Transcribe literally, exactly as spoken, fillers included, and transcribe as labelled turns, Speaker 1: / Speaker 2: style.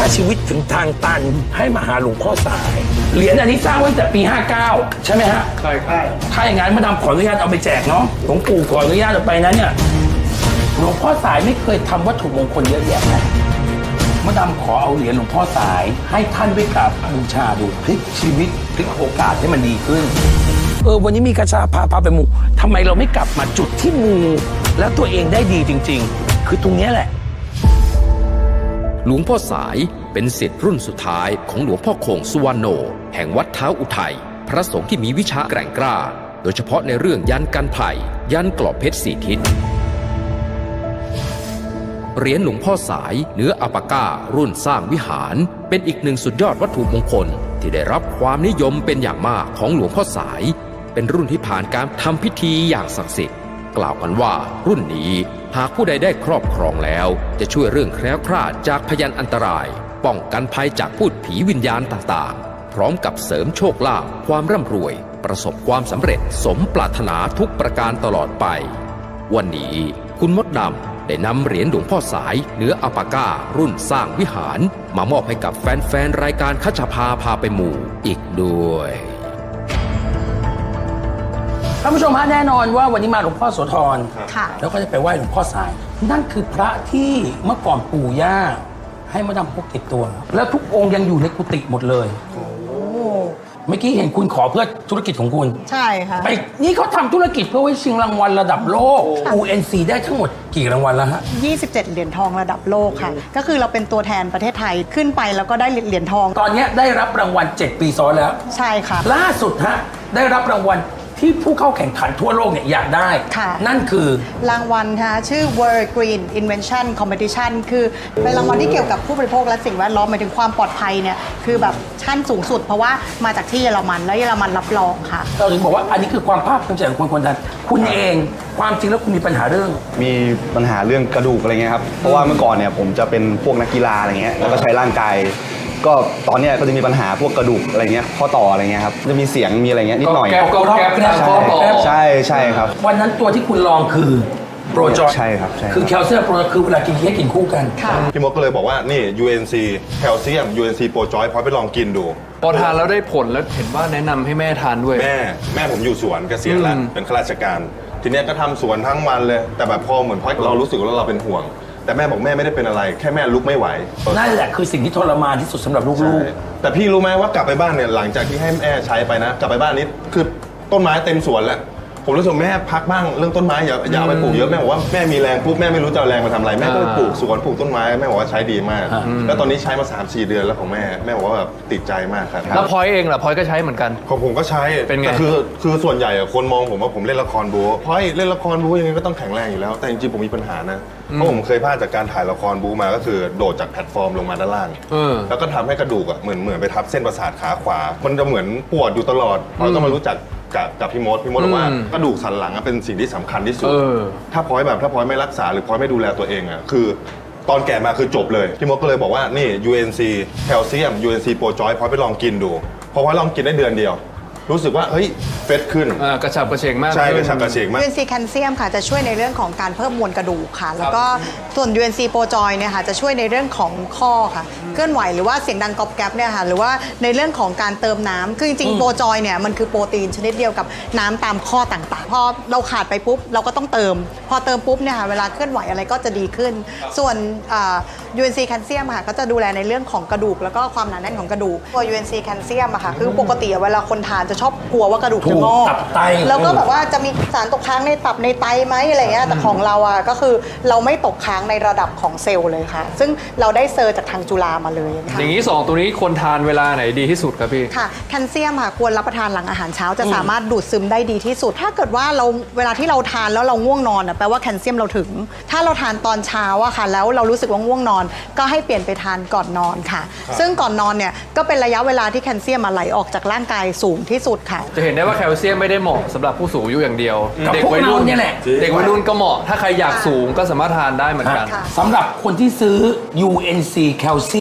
Speaker 1: าชีวิตถึงทางตันให้มาหาหลวงพ่อสายเหรียญอันนี้สร้างไว้ตั้งแต่ปีห้าเก้าใช่ไหมฮะใช่ครับถ้าอย่างนั้นมาดามขออนุญาตเอาไปแจกเนาะหลวงปู่ขออนุญาตเอาไปนะเนี่ยหลวงพ่อสายไม่เคยทำวัตถุมงคลเยอะแยะนะมาดามขอเอาเหรียญหลวงพ่อสายให้ท่านไว้กราบบูชาดูพลิกชีวิตพลิกโอกาสให้มันดีขึ้นเออวันนี้มีกระชาพาพาไปมูทำไมเราไม่กลับมาจุดที่มูแล้วตัวเองได้ดีจริงๆคือตรงนี้แหละ
Speaker 2: หลวงพ่อสายเป็นศิษย์รุ่นสุดท้ายของหลวงพ่อคงสุวรรณโนแห่งวัดเท้าอุทัยพระสงฆ์ที่มีวิชาแกร่งกล้าโดยเฉพาะในเรื่องยันกันไผ่ยันกรอบเพชรสี่ทิศเหรียญหลวงพ่อสายเนื้ออัปปาก้ารุ่นสร้างวิหารเป็นอีกหนึ่งสุดยอดวัตถุมงคลที่ได้รับความนิยมเป็นอย่างมากของหลวงพ่อสายเป็นรุ่นที่ผ่านการทำพิธีอย่างศักดิ์สิทธิ์กล่าวกันว่ารุ่นนี้หากผู้ใดได้ครอบครองแล้วจะช่วยเรื่องแคล้วคลาดจากพยันอันตรายป้องกันภัยจากพูดผีวิญญาณต่างๆพร้อมกับเสริมโชคลาภความร่ำรวยประสบความสำเร็จสมปรารถนาทุกประการตลอดไปวันนี้คุณมดดำได้นำเหรียญหลวงพ่อสายเนื้ออัปปาก้ารุ่นสร้างวิหารมามอบให้กับแฟนๆรายการคัชภาพาไปหมู่อีกด้วย
Speaker 1: ท่านผู้ชมฮะแน่นอนว่าวันนี้มาหลวงพ่อโสธร
Speaker 3: ค่ะ
Speaker 1: แล้วก็จะไปไหว้หลวงพ่อสายนั่นคือพระที่เมื่อก่อนปู่ย่าให้มาดำพกติดตัว แล้วทุกองค์ยังอยู่ในกุฏิหมดเลยเมื่อกี้เห็นคุณขอเพื่อธุรกิจของคุณ
Speaker 3: ใช่ค่ะ
Speaker 1: ไปนี่เขาทำธุรกิจเพื่อไว้ชิงรางวัลระดับโลก ยู เอ็น ซี ได้ทั้งหมดกี่รางวัลแล้วฮะ
Speaker 3: ยี่สิบเจ็ดเหรียญทองระดับโลกค่ะก็คือเราเป็นตัวแทนประเทศไทยขึ้นไปแล้วก็ได้เหรียญทอง
Speaker 1: ตอนนี้ได้รับรางวัลเจ็ดปีซ้อนแล้ว
Speaker 3: ใช่ค่ะ
Speaker 1: ล่าสุดฮะได้รับรางวัลที่ผู้เข้าแข่งขันทั่วโลกเนี่ยอยากได้นั่นคือ
Speaker 3: รางวัลค่ะชื่อ World Green Invention Competition คือเป็นรางวัลที่เกี่ยวกับผู้บริโภคและสิ่งแวดล้อมหมายถึงความปลอดภัยเนี่ยคือแบบชั้นสูงสุดเพราะว่ามาจากที่เยอรมันแล้วเยอรมันรับรองค่ะ
Speaker 1: เราถึงบอกว่าอันนี้คือความภาคภูมิใจของคนคนนั้นคุณเองความจริงแล้วคุณมีปัญหาเรื่อง
Speaker 4: มีปัญหาเรื่องกระดูกอะไรเงี้ยครับเพราะว่าเมื่อก่อนเนี่ยผมจะเป็นพวกนักกีฬาอะไรเงี้ยแล้วก็ใช้ร่างกายก็ตอนนี้ก็จะมีปัญหาพวกกระดูกอะไรเงี้ยข้อต่ออะไรเงี้ยครับจะมีเสียงมีอะไรเงี้ยนิดหน่อย
Speaker 1: แก๊บแก๊บนะข้อต่อ
Speaker 4: ใช่ใช่ครับ
Speaker 1: วันนั้นตัวที่คุณลองคือโปรจอย
Speaker 4: ใช่ครับใช่
Speaker 1: คือแคลเซียมโปรคือเวลากินให้กินคู่กัน
Speaker 5: พี่มดก็เลยบอกว่านี่ ยู เอ็น ซี แคลเซียม ยู เอ็น ซี โปรจอยพอไปลองกินดู
Speaker 6: พอทานแล้วได้ผลแล้วเห็นว่าแนะนำให้แม่ทานด้วย
Speaker 5: แม่แม่ผมอยู่สวนเกษียณแล้วเป็นข้าราชการทีนี้ก็ทำสวนทั้งวันเลยแต่แบบพอเหมือนพอเรารู้สึกว่าเราเป็นห่วงแต่แม่บอกแม่ไม่ได้เป็นอะไรแค่แม่ลุกไม่ไหว
Speaker 1: นั่นแหละคือสิ่งที่ทรมานที่สุดสำหรับลูก
Speaker 5: ๆแต่พี่รู้ไหมว่ากลับไปบ้านเนี่ยหลังจากที่ให้แม่ใช้ไปนะกลับไปบ้านนี้คือต้นไม้เต็มสวนแล้วผมรู้สึกแม่พักบ้างเรื่องต้นไม้อย่าอย่าไปปลูกเยอะแม่บอกว่าแม่มีแรงปุ๊บแม่ไม่รู้จะเอาแรงมาทำอะไรแม่ก็ปลูกสวนปลูกต้นไม้แม่บอกว่าใช้ดีมากแล้วตอนนี้ใช้มา สามสี่ เดือนแล้วของแม่แม่บอกว่าแบบติดใจมากครับ
Speaker 6: แล้วพลอยเองล่ะพลอยก็ใช้เหมือนกัน
Speaker 5: ของผมก็ใช้
Speaker 6: เป็นไง
Speaker 5: แต่คือคือส่วนใหญ่คนมองผมว่าผมเล่นละครบู๊พลอยเล่นละครบู๊ยังไงก็ต้องแข็งแรงอยู่แล้วแต่จริงๆผมมีปัญหานะเพราะผมเคยพลาดจากการถ่ายละครบู๊มาก็คือโดดจากแพลตฟอร์มลงมาด้านล่างแล้วก็ทำให้กระดูกอ่ะเหมือนเหมือนไปทับเส้นประสาทขาขวามันจะเหมือนปวดอยู่ตลอดพลอยก็มารู้จักกับกับพี่มดพี่มดบอกว่ากระดูกสันหลังเป็นสิ่งที่สำคัญที่สุดถ้าพลอยแบบถ้าพลอยไม่รักษาหรือพลอยไม่ดูแลตัวเองอ่ะคือตอนแก่มาคือจบเลยพี่มดก็เลยบอกว่านี่ ยู เอ็น ซี แคลเซียม ยู เอ็น ซี โปรจอยพลอยไปลองกินดูพอพลอยลองกินได้เดือนเดียวรู้สึกว่าเฮ้ยเฟสขึ้น
Speaker 6: กระฉับกระเฉงมาก
Speaker 5: ใช่กระฉับกระเฉงมาก
Speaker 3: ยู เอ็น ซี แคลเซียมค่ะจะช่วยในเรื่องของการเพิ่มมวลกระดูกค่ะแล้วก็ส่วน ยู เอ็น ซี โปรจอยเนี่ยค่ะจะช่วยในเรื่องของข้อค่ะเคลื่อนไหวหรือว่าเสียงดังก๊อบแก๊บเนี่ยค่ะหรือว่าในเรื่องของการเติมน้ำคือจริงๆโปรจอยเนี่ยมันคือโปรตีนชนิดเดียวกับน้ำตามข้อต่างๆพอเราขาดไปปุ๊บเราก็ต้องเติมพอเติมปุ๊บเนี่ยค่ะเวลาเคลื่อนไหวอะไรก็จะดีขึ้นส่วน ยู เอ็น ซี แคลเซียมค่ะก็จะดูแลในเรื่องของกระดูกแล้วก็ความหนาแน่นของกระดูกตัว ยู เอ็น ซี แคลเซียมอะค่ะคือปกติเวลาคนทานจะชอบกลัวว่ากระดูกจะงอกแล้วก็แบบว่าจะมีสารตกค้างในตับในไตไหมอะไรเงี้ยแต่ของเราอะก็คือเราไม่ตกค้างในระดับของเซลล์เลยค่ะซึ่งเราได้เซอร์จากทางจุฬามาเลยค่ะ
Speaker 6: อย่างนี้สองตัวนี้ควรทานเวลาไหนดีที่สุดครับพี่
Speaker 3: ค่ะแคลเซียมค่ะควรรับประทานหลังอาหารเช้าจะสามารถดูดซึมได้ดีที่สุดถ้าเกิดว่าเราเวลาที่เราทานแล้วเราง่วงนอนอะแปลว่าแคลเซียมเราถึงถ้าเราทานตอนเช้าอะค่ะแล้วเรารู้สึกว่าง่วงนอนก็ให้เปลี่ยนไปทานก่อนนอนค่ะซึ่งก่อนนอนเนี่ยก็เป็นระยะเวลาที่แคลเซียมไหลออกจากร่างกายสูงที่สุดค่ะ
Speaker 6: จะเห็นได้ว่าแคลเซียมไม่ได้เหมาะสำหรับผู้สูงอายุอย่างเดียว
Speaker 1: เด็กวัยรุ่นนี่แหละ
Speaker 6: เด็กวัยรุ่นก็เหมาะถ้าใครอยากสูงก็สามารถทานได้เหมือนกัน
Speaker 1: สำหรับคนที่ซื้อ ยู เอ็น ซี แคลเซียม